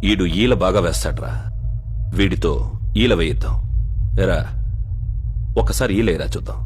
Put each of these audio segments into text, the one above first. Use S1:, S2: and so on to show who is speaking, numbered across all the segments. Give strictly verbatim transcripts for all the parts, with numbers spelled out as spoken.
S1: ఈడు ఈల బాగా వేస్తాడ్రా, వీడితో ఈల వేయిద్దాం. ఎరా ఒక్కసారి ఈలేరా చూద్దాం.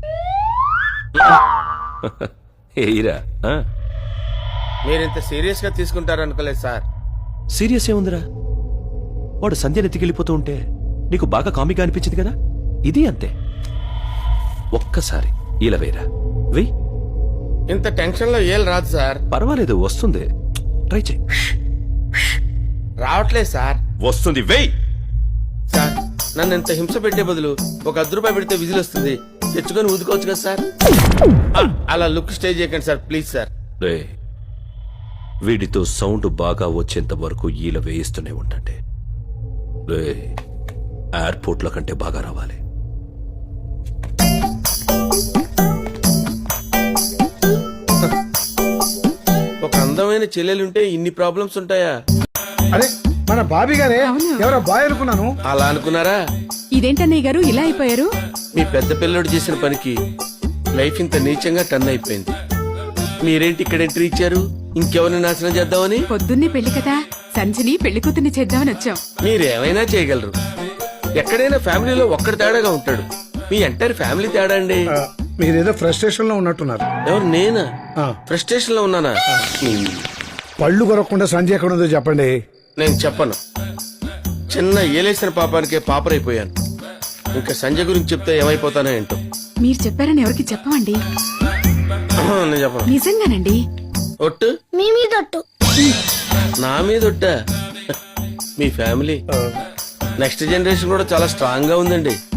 S1: ఏరా
S2: మీరింత సీరియస్ గా తీసుకుంటారనుకోలేదు సార్.
S1: సీరియస్ ఏముందిరా, వాడు సంధ్య నెత్తికెళ్ళిపోతూ ఉంటే నీకు బాగా కామిగా అనిపించింది కదా, ఇది అంతే. ఒక్కసారి ఈల వేయరా, వెయ్యి.
S2: ఇంత టెన్షన్ లో ఏం రాదు సార్.
S1: పర్వాలేదు, వస్తుంది, ట్రై చేయి.
S2: రావట్లేదు సార్.
S1: వస్తుంది, వెయ్యి.
S2: సార్ నన్ను ఇంత హింస పెట్టే బదులు ఒక అర్ధ రూపాయి పెడితే విజిల్ వస్తుంది, తెచ్చుకొని ఊదుకోవచ్చు కదా సార్. అలా లుక్ స్టే చేయకండి సార్, ప్లీజ్ సార్.
S1: రే, వీడితో సౌండ్ బాగా వచ్చేంత వరకు ఈల వేయిస్తూనే ఉండండి. రే, ఎయిర్పోర్ట్ లో కంటే బాగా రావాలి.
S2: ఒక అందమైన చెల్లెలుంటే ఇన్ని ప్రాబ్లమ్స్ ఉంటాయా?
S3: అరే మన బాబీ గారే, ఎవరో బాయ్ అనుకున్నాను.
S2: అలా అనుకున్నారా?
S4: ఇదేంటన్నయ్య గారు ఇలా అయిపోయారు?
S2: మీ పెద్ద పిల్లడు చేసిన పనికి లైఫ్ ఇంత నీచంగా టర్న్ అయిపోయింది. మీరేంటి ఇక్కడ ఎంట్రీ ఇచ్చారు? ఇంకెవరిని నాశనం చేద్దామని?
S4: పొద్దున్నే పెళ్లి కదా, సంజని పెళ్లి కూతుర్ని చేద్దామని వచ్చాం.
S2: మీరేమైనా చేయగలరు. ఎక్కడైనా ఫ్యామిలీలో ఒక్కడి తేడాగా ఉంటాడు. మీ ఎంటైర్ ఫ్యామిలీ తేడా అండి.
S3: ఆ, మీరేదో ఫ్రస్ట్రేషన్ లో ఉన్నట్టున్నారు.
S2: ఎవరు, నేనా?
S3: ఆ.
S2: ఫ్రస్ట్రేషన్ లో ఉన్నానా?
S3: పళ్ళు కొరకుండా సంజయ్ ఎక్కడ ఉందో చెప్పండి.
S2: నేను చెప్పను. చిన్న ఏలేసిన పాపానికే పాపరైపోయాను. ఇంకా సంజయ్ గురించి చెప్తే ఏమైపోతానో ఏంటో.
S4: మీరు చెప్పారని ఎవరికి చెప్పమండి.
S2: నేను చెప్పను.
S4: నిజంగానండి.
S2: ఒట్టు?
S5: మీ మీద ఒట్టు.
S2: నా మీద ఒట్టా? మీ ఫ్యామిలీ నెక్స్ట్ జనరేషన్ కూడా చాలా స్ట్రాంగ్ గా ఉందండి.